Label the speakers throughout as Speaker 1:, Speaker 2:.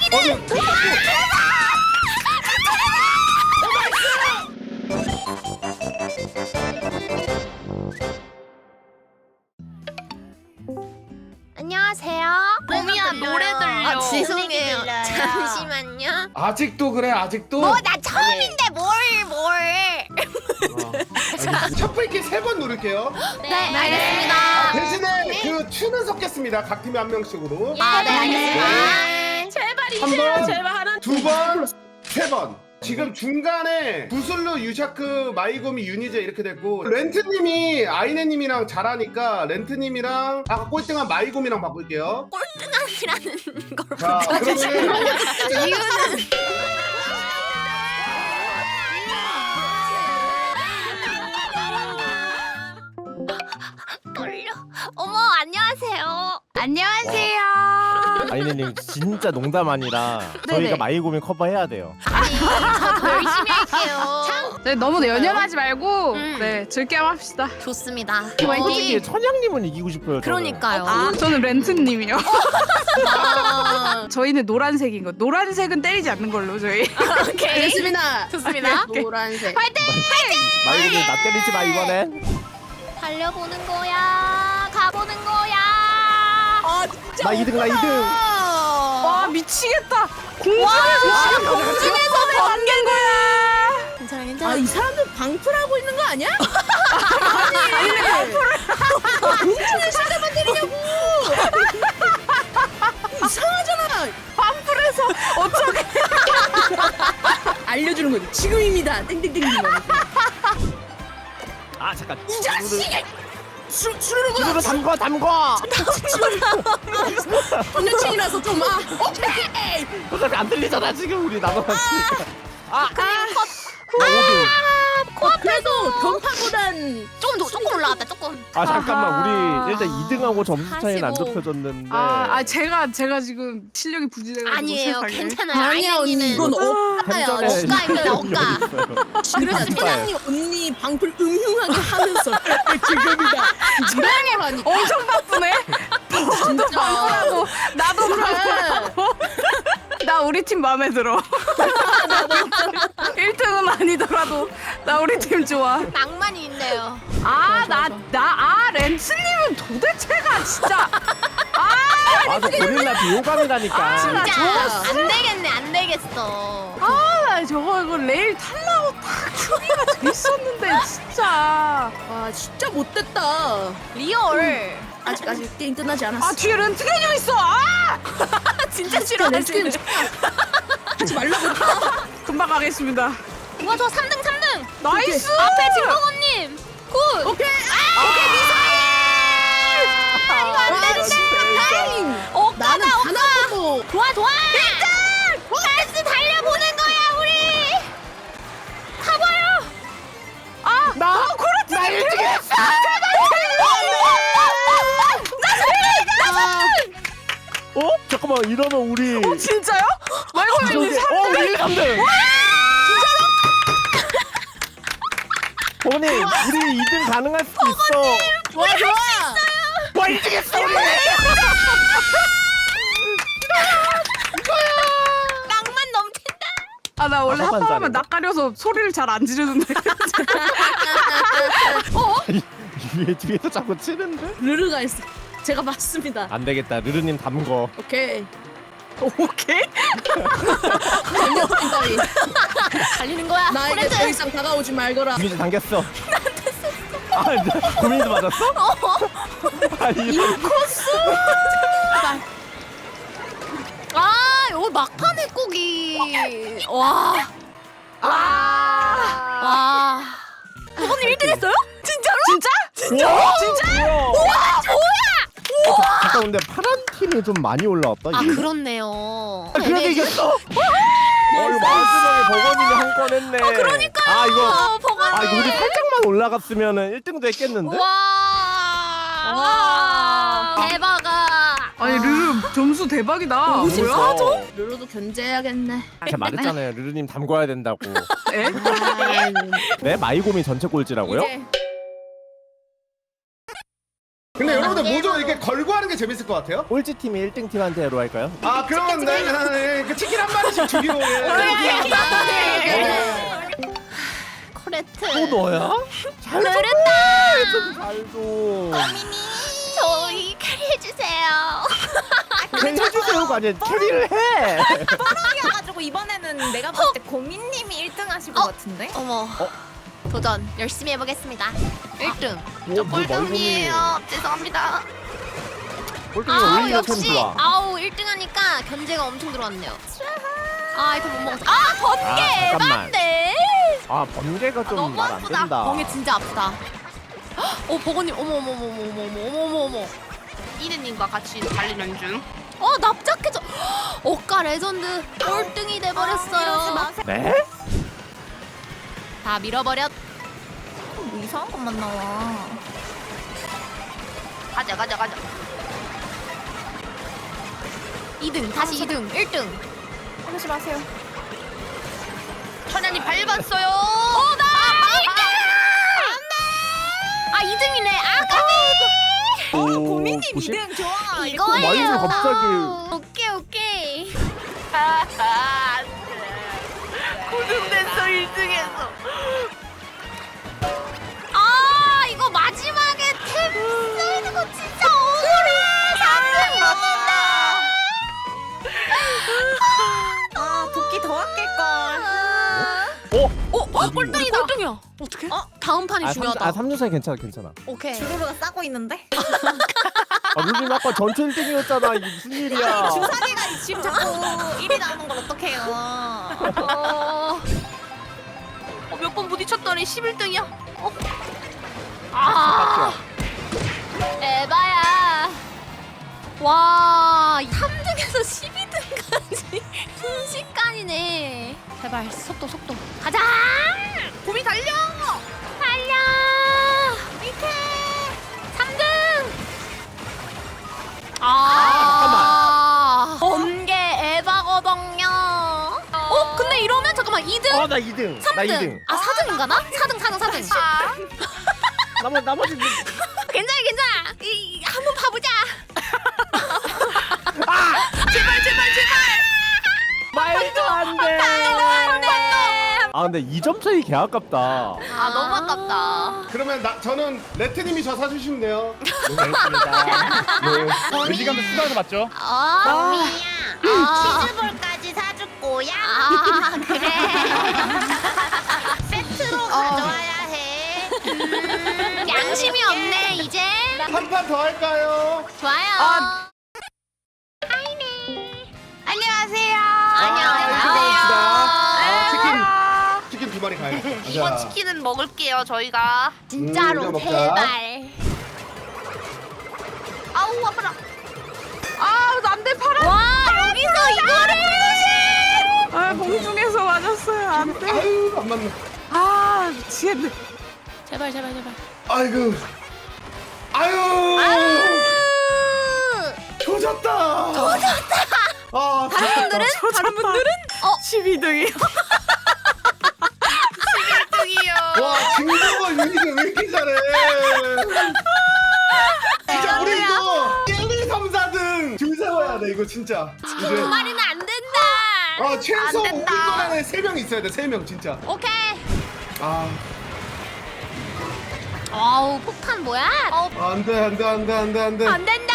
Speaker 1: 안녕하세요.
Speaker 2: 봄이야 노래 들려.
Speaker 1: 아, 죄송해요.
Speaker 2: 들려요.
Speaker 1: 잠시만요.
Speaker 3: 아직도 그래 아직도?
Speaker 1: 뭐 나 처음인데 뭘?
Speaker 3: 촛불기 3번 누를게요.
Speaker 1: 네, 알겠습니다.
Speaker 3: 대신에 그 추는 섞겠습니다. 각 팀에 한 명씩으로.
Speaker 1: 아, 네, 알겠습니다.
Speaker 2: 제발
Speaker 3: 한
Speaker 2: 이제야
Speaker 3: 번,
Speaker 2: 제발 하나.
Speaker 3: 2번, 3번. 지금 중간에 구슬루, 유샤크, 마이고미, 유니제 이렇게 됐고 렌트님이 아이네님이랑 잘하니까 렌트님이랑 아까 꼴등한 마이고미랑 바꿀게요.
Speaker 1: 꼴등이라는 걸
Speaker 3: 자 그러면은
Speaker 1: 이유는 떨려. 어머, 안녕하세요.
Speaker 2: 안녕하세요.
Speaker 4: 아이네님 진짜 농담 아니라
Speaker 2: 네네.
Speaker 4: 저희가 마이고민 커버해야 돼요.
Speaker 1: 아니, 저 더 열심히 할게요.
Speaker 2: 네, 너무 연연하지 말고
Speaker 1: 음.
Speaker 2: 즐겨 합시다.
Speaker 1: 좋습니다.
Speaker 4: 솔직히 천양님은 이기고 싶어요. 저는.
Speaker 1: 그러니까요.
Speaker 2: 저는 렌트님이요.
Speaker 1: 아,
Speaker 2: 저희는 노란색인 거. 노란색은 때리지 않는 걸로 저희.
Speaker 1: 오케이.
Speaker 5: 알겠습니다.
Speaker 1: 좋습니다.
Speaker 5: 노란색.
Speaker 1: 화이팅!
Speaker 4: 마이고민 나 때리지 마 이번엔.
Speaker 1: 달려보는 거야. 가보는 거야.
Speaker 5: 아 진짜.
Speaker 4: 나 2등 나 2등.
Speaker 2: 와 미치겠다. 공중에서 번개인 거야.
Speaker 1: 괜찮아, 괜찮아.
Speaker 5: 아 이 사람들 방풀하고 있는 거 아니야? 아니 공중에 상대만 때리냐고. 이상하잖아.
Speaker 2: 반풀에서 어쩌게.
Speaker 5: 알려주는 거지. 지금입니다. 땡땡땡.
Speaker 4: 아 잠깐.
Speaker 5: 이 자식이. 수르는 거야.
Speaker 4: 이거로 담궈.
Speaker 5: 전여친이라서 좀 오케이.
Speaker 4: 어차피 안 들리잖아 지금 우리 나눠봤으니까.
Speaker 1: 컷.
Speaker 4: 나 5등.
Speaker 5: 그래도 전파보단
Speaker 1: 조금 올라갔다, 조금.
Speaker 4: 아 잠깐만 우리 일단
Speaker 2: 아,
Speaker 4: 2등하고 점수 차이는 안
Speaker 1: 45.
Speaker 4: 좁혀졌는데.
Speaker 2: 제가 지금 실력이 부진해가지고
Speaker 1: 아니에요,
Speaker 2: 세상에.
Speaker 1: 괜찮아요.
Speaker 5: 아니야 언니
Speaker 1: 아이네님은
Speaker 5: 이건 억가야.
Speaker 4: 햄전에
Speaker 1: 억가입니다, 억가.
Speaker 5: 그래서 사장님 언니 방풀 음흉하게 하면서 지금이다.
Speaker 2: 사장님
Speaker 5: 하니까.
Speaker 2: 엄청 바쁘네.
Speaker 5: 진짜.
Speaker 2: 하고 나도 바쁘고. 나 우리 팀 마음에 들어. 1등은 아니더라도 나 우리 팀 좋아.
Speaker 1: 낭만이 있네요.
Speaker 2: 렌츠님은 도대체가 진짜.
Speaker 4: 맞아 고릴라 비호감이라니까.
Speaker 1: 진짜 안 되겠네, 안 되겠어.
Speaker 2: 나 이거 레일 탈라고 딱 준비가 돼 있었는데 진짜.
Speaker 5: 와 진짜 못됐다.
Speaker 1: 리얼.
Speaker 5: 아직 게임 끝나지 않았어.
Speaker 2: 뒤에 렌트게님 있어.
Speaker 1: 진짜 싫어하시네.
Speaker 5: 하지 말라고.
Speaker 2: 금방 가겠습니다.
Speaker 1: 와, 저 3등, 3등.
Speaker 2: 나이스.
Speaker 1: 앞에 진버거님. 굿.
Speaker 5: 오케이.
Speaker 1: 이거 안 되는데. 억가다,
Speaker 5: 나는 단
Speaker 1: 억가.
Speaker 5: 한 번도.
Speaker 1: 좋아, 좋아. 1등. 나이스, 달려보는 거야, 우리. 가봐요.
Speaker 4: 나 그렇지. 나 1등 했어. 어? 잠깐만 이러면 우리.
Speaker 2: 진짜요? 말고
Speaker 4: 우리 3등. 어머니 우리 2등 가능할 수도 있어.
Speaker 5: 좋아 좋아.
Speaker 4: 와 1등 했어 우리.
Speaker 1: 낭만 넘친다.
Speaker 2: 나 원래
Speaker 4: 아빠만
Speaker 2: 합방하면
Speaker 4: 잘해.
Speaker 2: 낯가려서 소리를 잘 안 지르는데.
Speaker 4: 뒤에서 자꾸 치는데?
Speaker 5: 르르가 있어. 제가 맞습니다.
Speaker 4: 안 되겠다 르르님 담궈.
Speaker 5: 오케이.
Speaker 2: 오케이?
Speaker 5: 전여친다리.
Speaker 1: 달리는 거야.
Speaker 5: 나에게 더 이상 다가오지 말거라.
Speaker 4: 유니즈 당겼어. 나 고민도 맞았어? 아니
Speaker 1: 여기 막판에 꼬기. 와. 와. 부모님 1등 했어요? 진짜로?
Speaker 4: 진짜? 진짜? 우와 뭐야? 잠깐 근데 파란 팀이 좀 많이 올라왔다.
Speaker 1: 아,
Speaker 4: 이게.
Speaker 1: 그렇네요.
Speaker 4: 그래도 이겼어. 이거 마지막에 버거님이 한 건 했네. 그러니까요. 이거 우리 살짝만 올라갔으면은 1등도 했겠는데?
Speaker 1: 와. 대박아.
Speaker 2: 아니 르르 점수 대박이다.
Speaker 4: 뭐야?
Speaker 5: 르르도 견제해야겠네.
Speaker 4: 제가 말했잖아요. 르르님 담궈야 된다고.
Speaker 2: 에?
Speaker 4: 네? 마이고미 전체 꼴찌라고요?
Speaker 5: 이제
Speaker 3: 근데 여러분들 뭐 좀 이렇게 걸고 하는 게 재밌을 것 같아요.
Speaker 4: 꼴찌 팀이 1등 팀한테로 할까요?
Speaker 3: 아 그러면 그 치킨 한 마리씩 주기로.
Speaker 1: 코레트.
Speaker 4: 또 너야? 잘 좀.
Speaker 1: 잘했다.
Speaker 4: 잘도.
Speaker 1: 저희 캐리해주세요.
Speaker 4: 해주세요가 아니라 캐리를 해.
Speaker 5: 뻐럭이어가지고 이번에는 내가 봤을 때 고민님이 1등 하실 것 같은데?
Speaker 1: 어머. 도전 열심히 해보겠습니다. 1등.
Speaker 4: 뭐
Speaker 1: 꼴등이에요. 죄송합니다.
Speaker 4: 꼴등이
Speaker 1: 아우
Speaker 4: 올리는 템
Speaker 1: 역시
Speaker 4: 좋아.
Speaker 1: 아우 1등 하니까 견제가 엄청 들어왔네요. 아 이거 못 먹었어. 아 번개
Speaker 4: 아, 잠깐만.
Speaker 1: 에반데.
Speaker 4: 아 번개가 좀
Speaker 1: 너무
Speaker 4: 말 안
Speaker 1: 아프다.
Speaker 4: 된다.
Speaker 1: 번개 진짜 아프다. 버거님 어머. 이든님과 같이 달리는 중. 납작해져. 억까 레전드 꼴등이 돼버렸어요.
Speaker 4: 네?
Speaker 1: 다 밀어버렸.
Speaker 5: 뭐 이상한 것만 나와.
Speaker 1: 가자. 2등 다시 2등 1등.
Speaker 5: 하지 마세요.
Speaker 1: 천연이 밟았어요. 나 1등. 안돼. 2등이네.
Speaker 5: 고민님
Speaker 4: 90?
Speaker 5: 2등 좋아.
Speaker 1: 이거예요.
Speaker 4: 마이를 갑자기.
Speaker 1: 오케이. 고등됐어 1등에서. 이거 마지막에 탭 쓰이는 거 진짜 억울해. 3등 먹는다.
Speaker 5: 도끼 더 아낄걸.
Speaker 1: 꼴등이야. 어떻게? 다음 판이 중요하다.
Speaker 4: 3년 괜찮아.
Speaker 1: 오케이.
Speaker 5: 주루루가 싸고 있는데?
Speaker 4: 아 루님 아까 전체 1등이었잖아. 이게 무슨 일이야?
Speaker 5: 주사기가 지금 자꾸 1위 나오는 걸 어떡해요.
Speaker 1: 몇 번 부딪혔더니 11등이야. 에바야. 와, 3등에서 12등까지 순식간이네. 제발 속도. 가자. 봄이 달려. 밑에 3등. 번개 에바거든요. 근데 이러면 잠깐만 2등.
Speaker 4: 나 2등.
Speaker 1: 3등.
Speaker 4: 나 2등.
Speaker 1: 4등인가 나? 4등.
Speaker 4: 나머지
Speaker 1: 괜찮아. 한번 봐보자.
Speaker 4: 말도 안 돼. 아 근데 2점 차이 개 아깝다.
Speaker 1: 너무 아깝다.
Speaker 3: 그러면 저는 레트님이 저 사주시면 돼요.
Speaker 4: 네 시간도 수다에서 맞죠?
Speaker 5: 치즈볼까지 사줄 거야?
Speaker 1: 그래.
Speaker 5: 세트로 가져와야 해.
Speaker 1: 양심이 없네 이제.
Speaker 3: 한 판 더 할까요?
Speaker 1: 좋아요. 안녕하세요.
Speaker 3: 치킨 2마리 가요.
Speaker 1: 이번 치킨은 먹을게요 저희가. 진짜로
Speaker 3: 우리가 먹자.
Speaker 1: 제발. 아우 아파라.
Speaker 2: 안돼 팔아.
Speaker 1: 와 여기서 이거를.
Speaker 2: 공중에서 맞았어요. 안돼.
Speaker 3: 아유 안 맞네.
Speaker 2: 미치겠네.
Speaker 1: 제발.
Speaker 3: 아이고. 아유. 조졌다.
Speaker 1: 다른 분들은?
Speaker 2: 12등이요.
Speaker 1: 1등이요.
Speaker 3: 와 김정은 유니가 왜 이렇게 잘해? 진짜 우리 이거 1, 2, 3, 4등 줄 세워야 돼 이거 진짜.
Speaker 1: 두 마리는 안 된다.
Speaker 3: 최소
Speaker 1: 안
Speaker 3: 우리
Speaker 1: 된다.
Speaker 3: 거에 3명 있어야 돼. 3명 진짜.
Speaker 1: 오케이.
Speaker 3: 아
Speaker 1: 폭탄 뭐야?
Speaker 3: 안돼.
Speaker 1: 안 된다.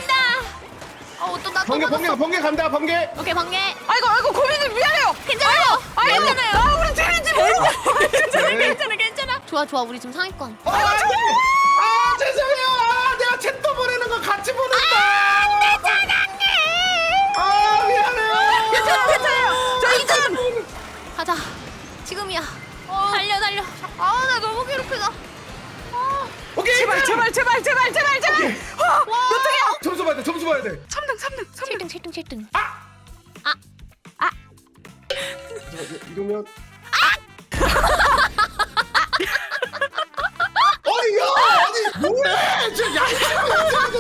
Speaker 1: 또 나
Speaker 3: 번개 간다 번개.
Speaker 1: 오케이 번개.
Speaker 2: 아이고 고민님 미안해요.
Speaker 1: 괜찮아요. 괜찮아요.
Speaker 2: 우리 재민지 모르고.
Speaker 1: 괜찮아. 좋아 우리 지금 상위권.
Speaker 3: 죄송해요. 내가 챗도 보내는 거 같이 보냈다.
Speaker 1: 안돼 사랑해.
Speaker 3: 미안해요.
Speaker 2: 괜찮아요. 저 2등.
Speaker 1: 가자. 지금이야. 달려. 나 너무 괴롭히다.
Speaker 3: 오케이.
Speaker 2: 제발.
Speaker 3: 점수 봐야 돼.
Speaker 2: 3등.
Speaker 1: 7등.
Speaker 3: 이러면 아니 뭐해? 지금 양심을 가지고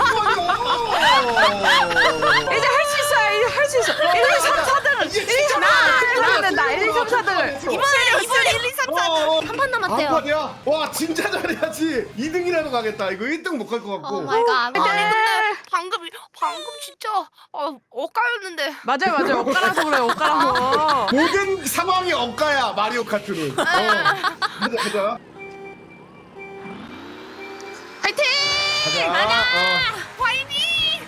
Speaker 2: 이제 할 수 있어요. 이제 3, 4등은.
Speaker 3: 이게 진짜
Speaker 2: 나 1, 2, 3, 4등.
Speaker 5: 이번에 1, 2, 3, 4.
Speaker 1: 한 판 남았대요.
Speaker 3: 한 판이야? 와 진짜 잘해야지. 2등이라도 가겠다. 이거 1등 못 갈 것
Speaker 1: 오
Speaker 3: 같고.
Speaker 1: 마이 갓.
Speaker 5: 근데 방금 진짜 엇갈렸는데.
Speaker 2: 맞아요. 옷가라서 그래, 옷가라서.
Speaker 3: 모든 상황이 억가야 마리오 카트는. 가자.
Speaker 5: 화이팅!
Speaker 3: 가자.
Speaker 5: 화이팅!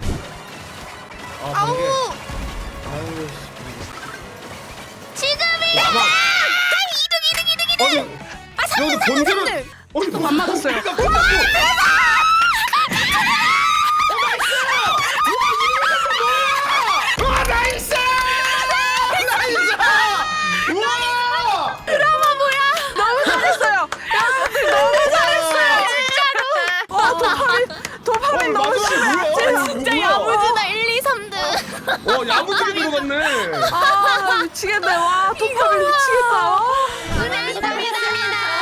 Speaker 3: 아우. 아유.
Speaker 1: 지금이다.
Speaker 3: 야마. 2등. 아니. 여기 본질은.
Speaker 2: 또 안 맞았어요.
Speaker 3: 와 나이스! 나이스! 우와!
Speaker 2: 너무 잘했어요. 여러분들 너무 잘했어요. 진짜로. 도파민 너무 심해.
Speaker 1: 진짜 야무지다 1, 2, 3등.
Speaker 3: 야무지게 들어갔네.
Speaker 2: 아, 나 미치겠네. 와, 도파민 미치겠다.
Speaker 1: 고생하셨습니다.